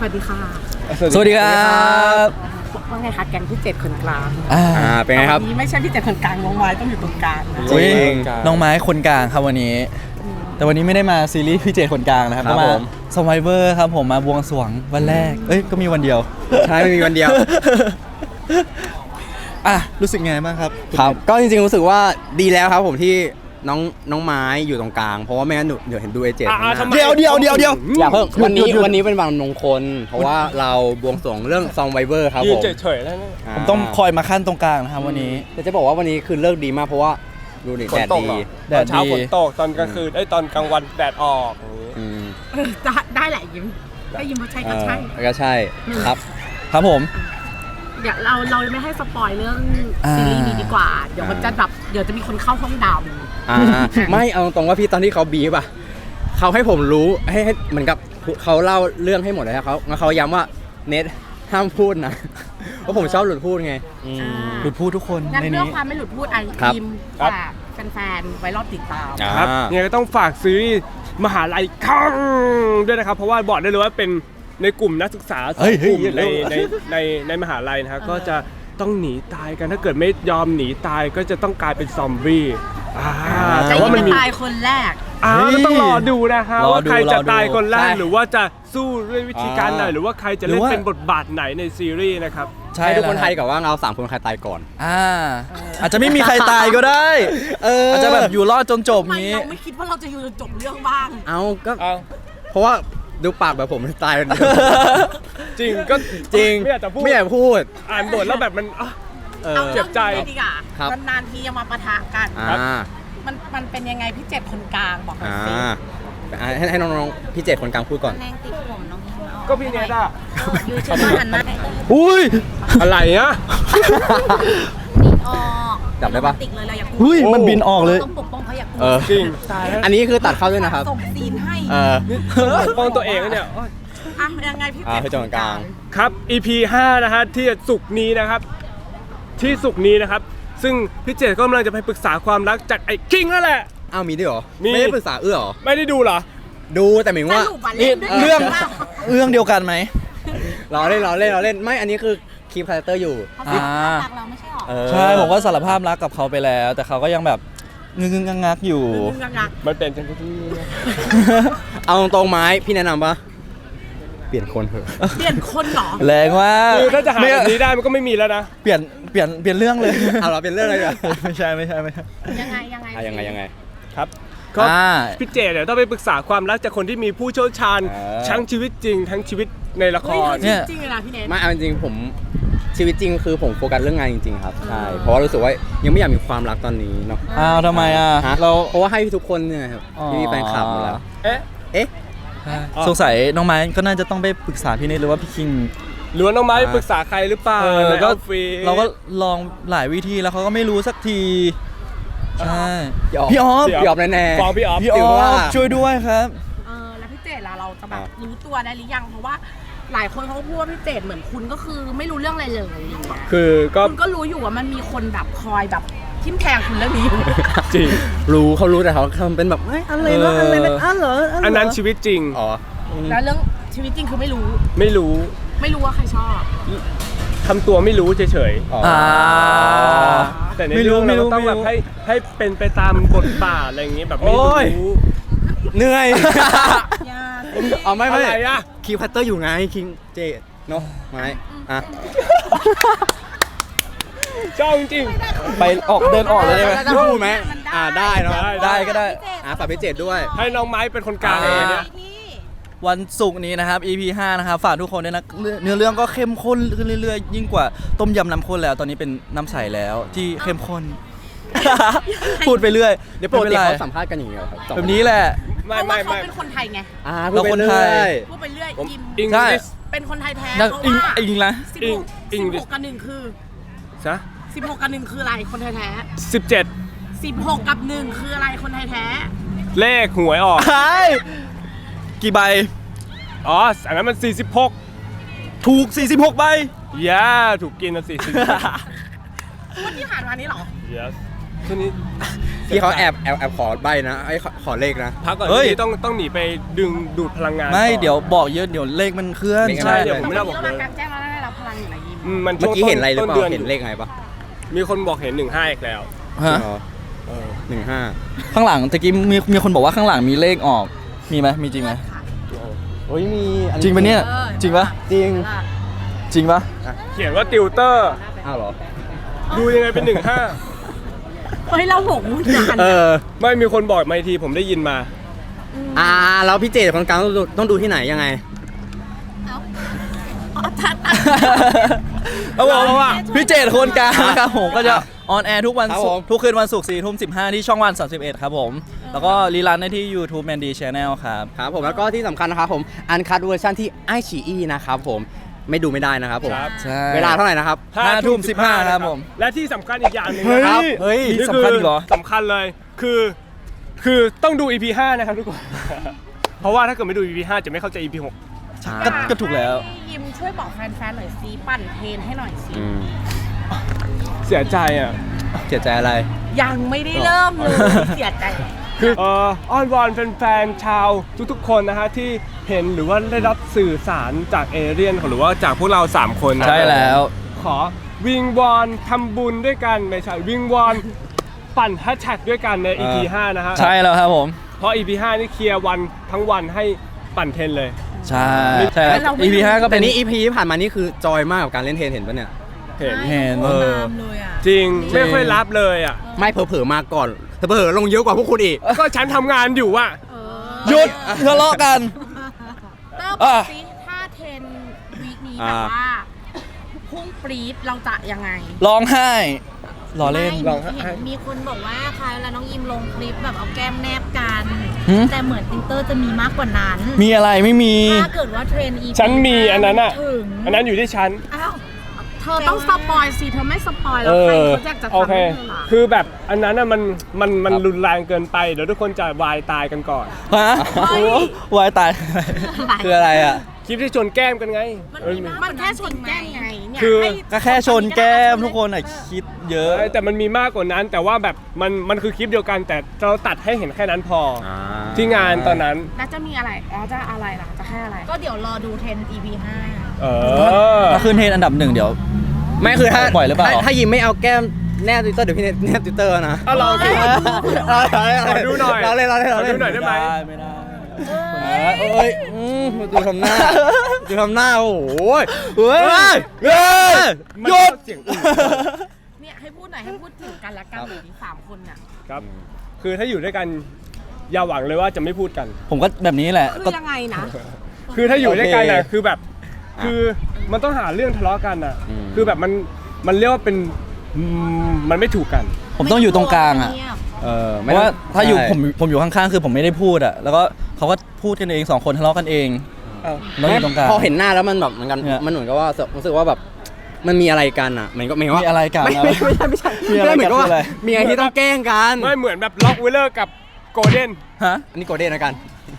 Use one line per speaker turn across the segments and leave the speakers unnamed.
วัสดีค่ะ
สวัสดีครับ
ว่าไงคะแก๊งพี่เจ็ดคนกลาง
เป็นไงครับ
วันนี้ไม่ใช่พี่เจ็ดคนกลางน้องไม้ต้องอยู่ตรงกลางนะ
จริงน้องไม้คนกลางครับวันนี้แต่วันนี้ไม่ได้มาซีรีส์พี่เจคนกลางนะครับก็มา Survivor ครับผมมาบวงสรวงวันแรกก็มีวันเดียว
ใช่ไม่มีวันเดียว
รู้สึกไงบ้างครับ
ครับก็จริงๆรู้สึกว่าดีแล้วครับผมที่น้องไม้อยู่ตรงกลางเพราะว่าไม่งั้นเดี๋ยวเห็นดูไอเจ็ด
เดี๋ยว
อย่าเพิ่งวันนี้เป็นวันมงคลเพราะว่าเราบวงสรวงเรื่องซองไวเวอร์ครับผม
เฉยๆแล้ว
ผมต้องคอยมาขั้นตรงกลางนะครับวันนี้
แต่จะบอกว่าวันนี้คือเลิกดีมากเพราะว่าดูดิแดดดี
ตอนเช้าฝนตกตอนกลางคืนตอนกลางวันแดดออก
ได้แหละยิ้มถ้ายิ้มว่าใช่ก็ใช่
ก็ใช่
ครับผม
เดี๋ยวเราไม่ให้สปอยเรื่องซีรีส์นี้ดีกว่าเดี๋ยวมันจะแบบเดี๋ยวจะมีคนเข้าห้องดำ
ไม่เอาตรงว่าพี่ตอนที่เขาบีบเขาให้ผมรู้ให้เหมือนกับเขาเล่าเรื่องให้หมดเลยครับเขาย้ำว่าเน็ตห้ามพูดนะเพราะผมชอบหลุดพูดไง
หลุดพูดทุกคน
งั้นเรื่องความไม่หลุดพูดทีมฝากแฟนๆไว้รอติดตาม
ครับเนี่ยก็ต้องฝากซีรีส์มหาลัยคังด้วยนะครับเพราะว่าบอกได้เลยว่าเป็นในกลุ่มนักศึกษาสองกลุ่มในมหาลัยนะครับก็จะต้องหนีตายกันถ้าเกิดไม่ยอมหนีตายก็จะต้องกลายเป็นซอมบี้
แต่ว่ามันตายคนแรก
ก็ต้องรอดูนะครับว่าใครจะตายคนแรกหรือว่าจะสู้ด้วยวิธีการไหนหรือว่าใครจะเล่นเป็นบทบาทไหนในซีรีส์นะครับ
ให้ทุกคนไทยกับว่าเรา3 คนใครตายก่อน
อาจจะไม่มีใครตายก็ได้อาจจะแบบอยู่รอดจนจบนี้
เราไม่คิดว่าเราจะอยู่จนจบเรื่องบ้าง
ก็เพราะว่าดูปากแบบผมตายกัน
จริงก็
จริงไม่อยากพูด
อ่านบทแล้วแบบมัน
เจ็บใจดีกว่านานๆทีจะมาปะทะกันมันเป็นยังไงพี่เจ็ดคนกลางบอกหน่อยสิ
ให้น้องๆพี่เจ็ดคนกลางพูดก่อน
แรงติดผมน้อง
ก็พี่เนต้า
ยูชอบหันมา
อุ้ย
อะไรอะ
บินออก
จับได้ปะ
ติดเลยเราอยาก
อุ้ยมันบินออกเลย
ต้องปกป้องเขาอยาก
จริง
อันนี้คือตัดเข้าด้วยนะครับ
ส่งซีนให้
ปกป้องตัวเองเนี่ย
ยังไงพี่เจ็ด
คนกลาง
ครับ EP 5นะฮะที่ศุกร์นี้นะครับที่ศุกร์นี้นะครับซึ่งพี่เจดก็กำลังจะไปปรึกษาความรักจากไอ้คิงนั่นแหละ
มีด้วยเหรอไม่ได้ปรึกษาเหรอ
ไม่ได้ดูเหรอ
ดูแต่หมายว่า
นี่เรื่องเดียวกันไหม
เราเล่นไม่อันนี้คือคีย์คาแรคเตอร์อยู่
รักเราไม่ใช่หรอ
ใช่ผมก็สารภาพรักกับเขาไปแล้วแต่เขาก็ยังแบบงึงงักอยู่
มันเป็นจังที่
เอาตรงๆไม้พี่แนะนำปะเปลี่ยนคนเถอะ
เปลี่ยนคนเหรอ
แรงมาก
คือถ้าจะหาแบบนี้ได้มันก็ไม่มีแล้วนะ
เปลี่ยนเรื่องเลย
เราเปลี่ยนเรื่องอะไรกัน
ไม่ใช่
ยังไง
ครับก็พี่เจเดี๋ยวต้องไปปรึกษาความรักจากคนที่มีผู้เชี่ยวชาญทั้งชีวิตจริงทั้งชีวิตในละคร
เนี่ยจริงเลยนะพี่เนท
ไม่เอาจริงผมชีวิตจริงคือผมโฟกัสเรื่องงานจริงๆครับใช่เพราะว่ารู้สึกว่ายังไม่อยากมีความรักตอนนี้เนาะ
ทำไม
เราเพราะว่าให้ทุกคนเนี่ยครับมีแฟนคลับหมดแล้ว
สงสัยน้องไม้ก็น่าจะต้องไปปรึกษาพี่เนทหรือว่าพี่คิง
หรือว่าน้องไม้ปรึกษาใครหรือเปล่า
แล้วก็เราก็ลองหลายวิธีแล้วเขาก็ไม่รู้สักทีใช่พี่ออฟ
แน่ๆ
ฟ้องพี่ออ
ฟช่วยด้วยครับ
แล้วพี่เจดล่ะเราจะแบบรู้ตัวได้หรือยังเพราะว่าหลายคนเขาพูดว่าพี่เจดเหมือนคุณก็คือไม่รู้เรื่องอะไรเลย
คือ
คุณก็รู้อยู่ว่ามันมีคนแบบคอยแบบทิ่มแทงคุณเรื่องนี้อยู่
จริง
เขารู้แต่เขาทำเป็นแบบอะไรเหรอ
อันนั้นชีวิตจริง
แล้วเรื่องชีวิตจริงคือไม่รู้ว่าใครชอบ
ทำตัวไม่รู้เฉยๆแต่ในเรื่องเราต้องแบบให้เป็นไปตามบทบาทอะไรอย่างงี้แบบไม่รู้
เหนื่อย
ไม่อะไรอะ
คิวพัตเตอร์อยู่ไงคิงเจเนาะไม่
ชอบจริง
ไปเดินออกเลยได้ไหม
พูดไหมได้เนาะ
ได้ก็ได้
ฝากพี่เจด้วย
ให้น้องไม้เป็นคนกลางเลยเนี่ย
วันศุกร์นี้นะครับ EP 5นะครับฝากทุกคนด้วยนะเนื้อเรื่องก็เข้มข้นขึ้นเรื่อยๆยิ่งกว่าต้มยำน้ำข้นแล้วตอนนี้เป็นน้ำใสแล้วที่เข้มข้นพูดไปเรื่อย
เดี๋ยวปกติเขาสัมภาษณ์กันอย่างเงี้ยครับ
แบบนี้แหละ
ไม่เขาเป็นคนไทยไง
เราคนไทย
พูดไปเรื่อย
ใช่
เป็นคนไทยแท้
อิงนะ
16 กับ 1คือ16 กับ 1คืออะไรคนไทยแท้16 กับ 1คืออะไรคนไทยแท้
เลขหวยออก
กี่ใบ
อันนั้นมัน46
ถูก46ใบ
ถูกกินนะ46
วันที่ผ่านมานี้หรอ
ช่วงนี้
พี่เขาแอบขอใบนะไอ้ขอเลขนะ
พักก่อน
เฮ้ย
พี่ต้องหนีไปดึงดูดพลังงาน
ไม่
ก่อน
เดี๋ยวบอกเยอะเดี๋ยวเลขมันเคลื่อน
เลข
ใช่
เดี๋ยวผม
เรามากลางแจ้งแล้วได้รับพลังอยู่นะยิม
มัน
เมื่อกี้เห็นอะไรหรือเป
ต้
ล่าเห็นเลขไงปะ
มีคนบอกเห็น15อีกแล้ว
ฮะ
15
ข้างหลังตะกี้มีคนบอกว่าข้างหลังมีเลขออกมีไหมมีจริงไหม
โอ้ยมี
จริงปะเนี่ยจริงปะ
จริง
จริงปะ
เขียนว่าติวเตอร์
อ้าวเหรอ
ดูยังไงเป็น15
เฮ้ยเราหงมุนกัน
ไม่มีคนบอกมาอีกทีผมได้ยินมา
แล้วพี่เจตคนกลางต้องดูที่ไหนยังไง
เอาบอกว่าพี่เจตคนกลางนะครับผมก็จะออนแอร์ทุกวัน
ครับ
ศุ
ผ
ก
ม
ร์ทุกคืนวันศุกร์4:15ที่ช่องวัน31ครับผมแล้วก็รีลันได้ที่ YouTube Mandy Channel ครับ
ครับผมแล้วก็ที่สำคัญนะครับผมอันคัดเวอร์ชันที่ไอชีอีนะครับผมไม่ดูไม่ได้นะครับผม
ครับ
ใช่
เวลาเท่าไหร่นะครับ
5:15ครับผม
และที่สำคัญอีกอย่างหนึ่ง
เฮ้ย
นะครับ
เฮ้ย
นี่
สำคัญอีกเหรอ
สำคัญเลยคือต้องดู EP 5 นะครับทุกคน เพราะว่าถ้าเกิดไม่ดู EP 5 จะไม่เข้าใจ EP 6
ก็ถูกแล้ว
ยิมช่วยบอกแฟนๆหน่อยซิปั่นเทรนให้หน่อยสิ
เสียใจอ่ะ
เสียใจอะไร
ยังไม่ได้เริ่มเลยเสียใจ
คืออ้อนวอนแฟนๆชาวทุกๆคนนะฮะที่เห็นหรือว่าได้รับสื่อสารจากเอเลี่ยนหรือว่าจากพวกเรา 3 คนนะ
ใช่แล้ว
ขอวิงวอนทำบุญด้วยกันไม่ใช่วิงวอนปั่นแฮชแท็กด้วยกันใน EP 5 นะฮะ
ใช่แล้วครับผม
เพราะ EP 5 นี่เคลียร์วันทั้งวันให้ปั่นเทรนเลย
ใช่ใช่แล้ว EP 5ก็เป็
แต่
น
นี่ EP ที่ผ่านมานี่คือจอยมากกับการเล่นเทนเห็นปะเนี่ย
เห็น
เห็น
ตามเลยอ่ะ
จริงไม่ค่อยรับเลยอ่ะ
ไม่เผลอๆมาก่อนเผลอๆลงเยอะกว่าพวกคุณอีก
ก็ฉันทำงานอยู่อ่ะ
หยุดทะเลาะกัน
เต้าบอกซิถ้าเทรนวีคนี้แบบว่าพุ่งปรี๊ดเราจะยังไง
ร้องไห้รอเล่น
ลองฮะ
เห็นมีคนบอกว่าคล้ายเวลาน้องยิมลงคลิปแบบเอาแก้มแนบกัน
หืม
แต่เหมือนติวเตอร์จะมีมากกว่านั้น
มีอะไรไม่มี
ถ้าเกิดว่าเทรนอี
ฉันมีอันนั้นอ่ะ
ถึง
อันนั้นอยู่ที่ฉัน
อ้าว
เธอต้องสปอยสิเธอไม่สปอยแล้วใครเขาจะ
โอ
ทำ
เค
ให้เธอล่ะ
คือแบบอันนั้นน่ะมันรุนแรงเกินไปเดี๋ยวทุกคนจะวายตายกันก่อน
ฮะวายตาย
คืออะไรอ่ะ
คลิปที่ชนแก้มกันไง
มันแค่ชนแก้มไงเนี่ย
คือ
ให้
ก็แค่ชนแก้มทุกคนอ่ะคิดเยอะ
แต่มันมีมากกว่านั้น แต่ว่าแบบมันคือคลิปเดียวกัน แต่เราตัดให้เห็นแค่นั้นพออที่งานตอนนั้น
แล้วจะมีอะไรอ๋อจะอะไรล่ะจะให้อะไร
ก็เดี๋ยวรอดูเทรน EP 5
เออ
ถ้าขึ้นเทรนด์อันดับ 1เดี๋ยว
ไม่คือถ้า
ปล่อยหรือเปล่า
ถ้ายิมไม่เอาแก้มแนบทวิตเตอร์เดี๋ยวพี่แนบทวิตเตอร์นะ
เอาลองสิ ขอดูหน่อย
เราเล่นเราเล่นเราเล่น
ขอดูหน่อยได้ไหม
ไม่ได้
เอ้ยดูทำหน้าดูทำหน้าโอ้โห
เฮ้ยหยุด
เสียงอื่น
เนี่ยให้พูดหน่อยให้พูดถึงกันและกันหน่อยดิสามคนน่ะ
ครับ คือถ้าอยู่ด้วยกันอย่าหวังเลยว่าจะไม่พูดกัน
ผมก็แบบนี้แหละ
คื
ก็
อยังไงนะ
คือถ้าอยู่ด้วยกันน่ะ
โอเค
คือแบบคือมันต้องหาเรื่องทะเลาะกันน่ะ คือแบบมันเรียกว่าเป็นมันไม่ถูกกัน
ผมต้องอยู่ตรงกลางอ่ะ
เงียบ
เพราะว่าถ้าอยู่ผมอยู่ข้างๆคือผมไม่ได้พูดอ่ะแล้วก็เขาก็พูดกันเอง2คนทะเลาะกันเองแล้วอยู่ตรงกลาง
พอเห็นหน้าแล้วมันแบบเหมือนกัน
เนี่ย
มันเหมือนกับว่ารู้สึกว่าแบบมันมีอะไรกันอ่ะเหมือนก็หมายว่า
มีอะไรกัน
ไม่
นะ
ไม่ใช่
มีอะไรกัน
เหมือนกับว่า
คืออะไร
มีอะไรที่ต้องแกล้งกัน
ไม่เหมือนแบบล็อกเวลเลอร์กับโกลเด้น
ฮะ
อันนี้โกลเด้นนะกัน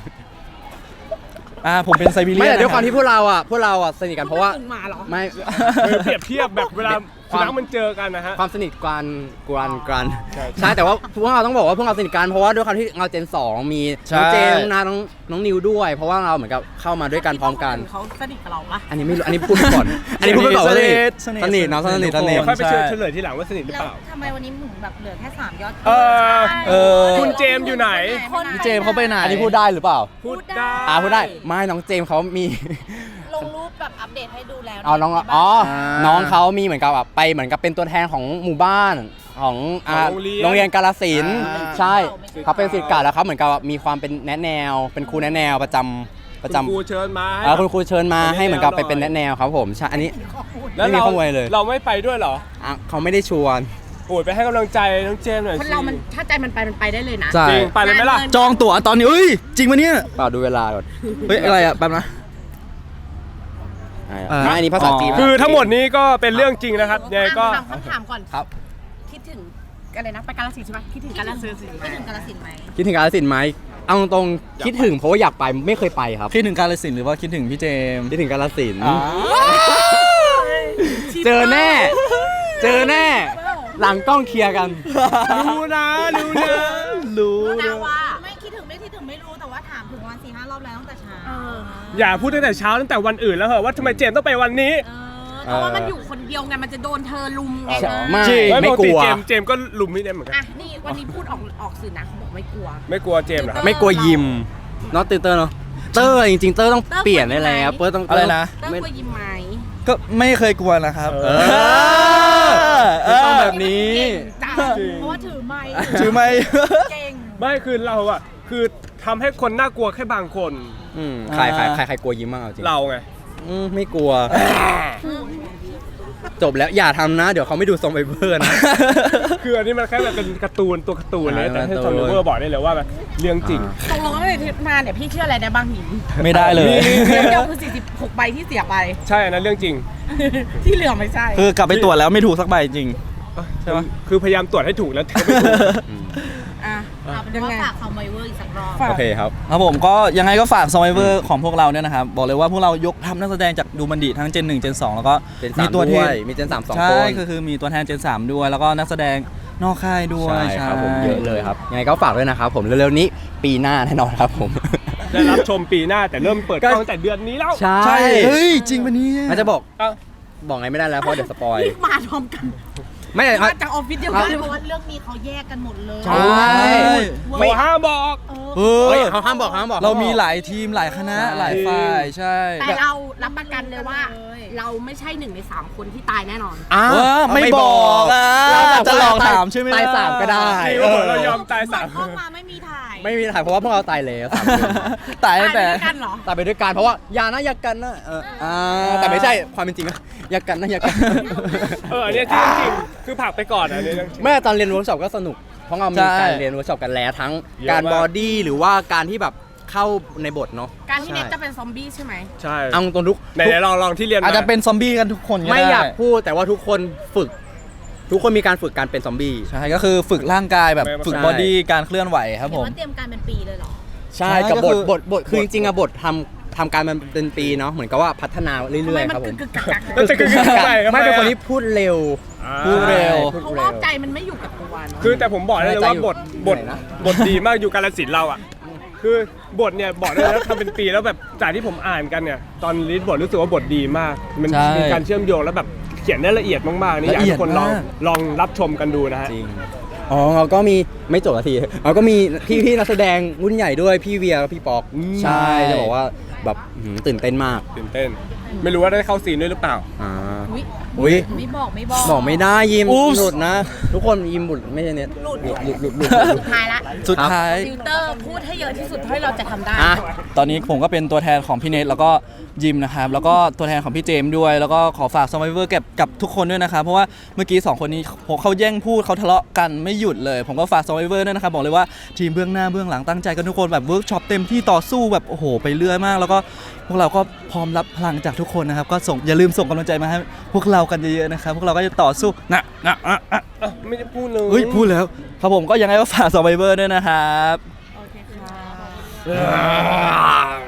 ผมเป็นไซบีเรียน
ไม่แต่ด้วยความ
นะ
ที่พวกเราอ่ะสนิทกันเพราะว่า
ถึงหมาเหรอ
ไม่
เปรียบเทียบแบบเวลาสุนัขมันเจอกันนะฮะ
ความสนิทกัน
ใช่
ใช่แต่ว่าพวกเราต้องบอกว่าพวกเราสนิทกันเพราะว่าด้วยความที่เราเจน2มีน้องเจนน้องนาน้องนิวด้วย เพราะว่าเราเหมือนกับเข้ามาด้วยกันพร้อมกัน
เขาสนิทกับเราปะ
อันนี้ไม่รู้อันนี้พูดไปก่อน อันนี้พูดไปก่อนว่าสนิทเนาะสนิท
เดี๋ยวค่อยไปเฉลยทีหลังว่าสนิทหรือ
แล้ว
เปล่า
ทำไมวันนี้ถึงแบบเหลือแค่ 3 ยอด
เออคุณเจมส์อยู่ไหน
พี่เจมส์เขาไปไหน
อันนี้พูดได้หรือเปล่า
พูดได้
พูดได้ไม่น้องเจมส์เขามี
ลงรูปแบบอัปเดตให้ดูแล้ว
เอาน้อง
ในบ้าน
น้องเขามีเหมือนกับแบบไปเหมือนกับเป็นตัวแทนของหมู่บ้านของโรงเรียนกาฬสินธุ์ใช่เขาเป็นศิษย์เก่าแล้วเขาเหมือนกับมีความเป็นแนะแนว เป็นครูแนะแนวประจำ
คุณครูเชิญมาให้
คุณครูเชิญมาให้เหมือนกับไปเป็นแนะแนวครับผมใช่อันนี้
แล้ว
ไม่มีข้อมูลเลย
เราไม่ไปด้วยเหรอ
เขาไม่ได้ชวน
โอ้ยไปให้กำลังใจน้องเจมส์หน่อย
ค
สิ
นเรามันถ้าใจมันไปได้เลยนะ
ใช่
จริงไปเลยไหมล่ะ
จองตั๋วตอนนี้เอ้ยจริงปะเนี่ย
เปล่าดูเวลาก่อน
เฮ้ยอะไรอ่ะแป๊บนะ
ไม่อันนี้ภาษาจีน
คือทั้งหมดนี้ก็เป็นเรื่องจริงนะครับยังไงก็
ถามคำถามก่อน
ครับ
คิดถึงอะไรนะไปกาฬสินธุ์ใช่ไหมคิดถึงกาฬสินธุ์
คิดถึงกาฬสินธุ์ไหม
คิดถึงกาฬสินธุ์ไหมเอาตรงๆคิดถึงเพราะว่าอยากไปไม่เคยไปครับ
คิดถึงกาฬสินธุ์หรือว่าคิดถึงพี่เจมส์
คิดถึงกาฬสินธุ์
อ๋อ
เจอแน่ เจอแน่หลังกล้องเคลียร์กัน
รู้นะรู้นะ
รู้
รู้
นะ
นะว่าไม่คิดถึงไม่รู้แต่ว่าถามถึงวัน4-5 รอบแล้วตั้งแต่เช้า
อย่าพูดตั้งแต่เช้าตั้งแต่วันอื่นแล้วเหรอว่าทำไมเจมส์ต้องไปวันนี้
เพราะว่ามันอยู่คนเดียวไงมันจะโดนเธอลุมไง
ไม่
จริง
ไม่กลัว
เจมส์ก็ลุมพี่เนมเหมือนกัน
อ่ะนี่วันนี้พูดออกสื่อนะเขาบอกไม่กลัว
ไม่กลัวเจมส์เหรอครับ
ไม่กลัวยิมเนาะเตอร์เนาะเตอร์จริงๆเตอร์ต้องเปลี่ยนได้แล้วเตอร์ต้อง
อะไรนะ
เต้ยกลัวยิ้มไหม
ก็ไม่เคยกลัวนะครับ
ไม่ต้องแบบนี้
จ้า
เพราะว่าถือไม้
ถือไม่
เก่ง
ไม่คือเราอะคือทำให้คนน่ากลัวแค่บางคน
ใครกลัวยิ้มบ้างเอาจริง
เราไง
ไม่กลัว จบแล้วอย่าทำนะ เดี๋ยวเขาไม่ดูซอมไบเบอร์นะ
คืออันนี้มันแค่แบบเป็นการ์ตูนตัวการ์ตูนเลยแต่ให้
การ์
ซ
ตู
อน มเวอร์บอกได้เลยว่าแบบเรื่องจริง
ตกลงว่าในทริปมาเนี่ยพี่เชื่ออะไรได้บ้างหิน
ไม่ได้เลย
เรื่องเดียวคือ46ใบที่เสียไป
ใช่อันนั้นเรื่องจริง
ที่เหลือไม่ใช่
คือกลับไปตรวจแล้วไม่ถูกสักใบจริง ใช่ปะ
คือพยายามตรวจให้ถูกแล้วแต่ไม่ถูก
อ่ะ
เอาเป็นว่าฝากคอมไวเวอร์อีกสักรอบ
โอเคครับ
ครับผมก็ยังไงก็ฝาก Survivor ของพวกเราเนี่ยนะครับ บอกเลยว่าพวกเรายกทัพนักแสดงจากดูมันดีทั้งเจน1เจน2แล้วก็
เจน
มี
3
ตัวแท
ด้วน ยมีเจน3 2
ใช่
คน
คือมีตัวแทนเจน3ด้วย แล้วก็นักแสดงนอกค่ายด้วย
ใช่ครับผมเยอะเลยครับยังไงก็ฝากด้วยนะครับผมเร็วๆนี้ปีหน้าแน่นอนครับผม
ได้รับชมปีหน้าแต่เริ่มเปิดกล้องตั้งแต่เดือนนี้แล้ว
ใช่
ใช่เฮ้ย จริงปะเนี่ย
อาจจะบอก
เอ้า
บอกไงไม่ได้แล้วเพราะเดี๋ยวสปอย
รีบมาพร้อมกัน
ไม่
มาจากออฟฟิศเดียวกัน
เพราะว่าเรื่องนี้เขาแยกกันหมดเลย
ใช่
โมห้ามบอก
เอ
เฮ้ย
อ
เขาห้ามบอก
เรามีหลายทีมหลายคณะ
ใช่
หลายฝ่ายใช่
แต่เรารับประกันเลยว่า เราไม่ใช่1 ใน 3 คนที่ตายแน่นอน
อ้าว
ว่าไม่บอกอ่ะ
เราแบบ
จะหลอกถามใช่ไหม
ตายสามก็ได้
จริงเรายอมตายสาม
เข้ามาไม่มีถ่าย
ไม่มีถ่ายเพราะว่าพวกเราตายแล้วสามคน
ตาย
ตาย
ตั้ง
ไป
แต่
ด้วยกันเหรอ
ตายไปด้วยกันเพราะว่าอย่านะอย่ากันนะแต่ไม่ใช่ความเป็นจริงนะอย่ากันนะอย่ากัน
อันนี้จริงจริงๆคือผลักไปก่อนอันนี้เรื่องจริง
แม่ตอนเรียนเวิร์กช็อปก็สนุก เพราะเรามีการเรียนเวิร์กช็อปกันแล้วทั้ง
เยอะมาก
การบอดี้หรือว่าการที่แบบเข้าในบทเนาะ
การที่เน็ตจะเป็นซอมบี้ใช่ไหม
ใช่
เอาตรงทุก
ไหนๆลองที่เรียน
อาจจะเป็นซอมบี้กันทุกคนก็
ไม่
ได้
อยากพูดแต่ว่าทุกคนฝึก ทุกคนมีการฝึกการเป็นซอมบี้
ใช่ก็คือฝึกร่างกายแบบฝึก
ใช่
บอดี้การเคลื่อนไหวครับ
เห็
ผ
น
ม
ว่าเตรียมการเป็นปีเลยเหรอ
ใช่
ใช่
กับ
ก็
บ
คื
ท
อ
บทคือจริงๆอะบททำการมันเป็นปีเนาะเหมือนกับว่าพัฒนาเรื่
ทำไม
อยๆ
มัน
ครับผม
กึกกัก
แล้วจะคืออะไร
ไม่เป็นคนที่พูดเร็ว
พูดเร็ว
พูด
เพราะ
เร็
ว่าว ใจมันไม่อยู่กับตัวเนาะ
คือแต่ผมบอกได้เลยว่าบท
ไหนนะ
บทดีมากอยู่กาลสินธุ์เราอ่ะคือบทเนี่ยบอกได้เลยว่าทำเป็นปีแล้วแบบจากที่ผมอ่านกันเนี่ยตอนรีดบทรู้สึกว่าบทดีมาก มัน
ใช่
มีการเชื่อมโยงแล้วแบบเขียนได้ละเอียดมากๆนี่อยากให้ทุกคนลอง
ละเอียดมาก
ลองรับชมกันดูนะฮะ
จริงอ๋อเราก็มีไม่จบนาทีเราก็มีพี่นักแสดงรุ่นใหญ่ด้วยพี่เวียกับพี่ปอก ใช่จะบอกว่าแบบตื่นเต้นมาก
ตื่นเต้น ไม่รู้ว่าได้เข้าซีนด้วยหรือเปล่า
อุ๊ย
อุ้ย
ไม่บอก
บอกไม่ได้ยิม
อุ๊บ
หลุดนะ ทุกคนยิมหลุดไม่ใช่เน็ตหลุด
สุดท้ายละ
สุดท้าย
ฟิลเตอร์พูดให้เยอะที่สุดเท่าที่เราจะทำได้
อ่ะ
ตอนนี้ผมก็เป็นตัวแทนของพี่เนทแล้วก็ยิมนะครับ แล้วก็ตัวแทนของพี่เจมส์ด้วย แล้วก็ขอฝาก Survivor กับทุกคนด้วยนะครับ เพราะว่าเมื่อกี้2คนนี้เขาแย่งพูดเขาทะเลาะกันไม่หยุดเลย ผมก็ฝาก Survivor ด้วยนะครับ บอกเลยว่าทีมเบื้องหน้าเบื้องหลังตั้งใจกันทุกคนแบบเวิร์กช็อปเต็มที่ต่อสู้แบบโอ้โหไปเรื่อยมาก แล้วก็พวกเราก็พร้อมรับพลังจากทุกคนนะครับ ก็อย่าลืมส่งกำลังใจมาให้พวกเรากันเยอะๆนะครับ พวกเราก็จะต่อสู้นะ
ไม่ได้พูดเลย
เฮ้ยพูดแล้วครับผมก็ยังไงก็ฝาก Survivor ด้วยนะครับ
โอเคค่ะ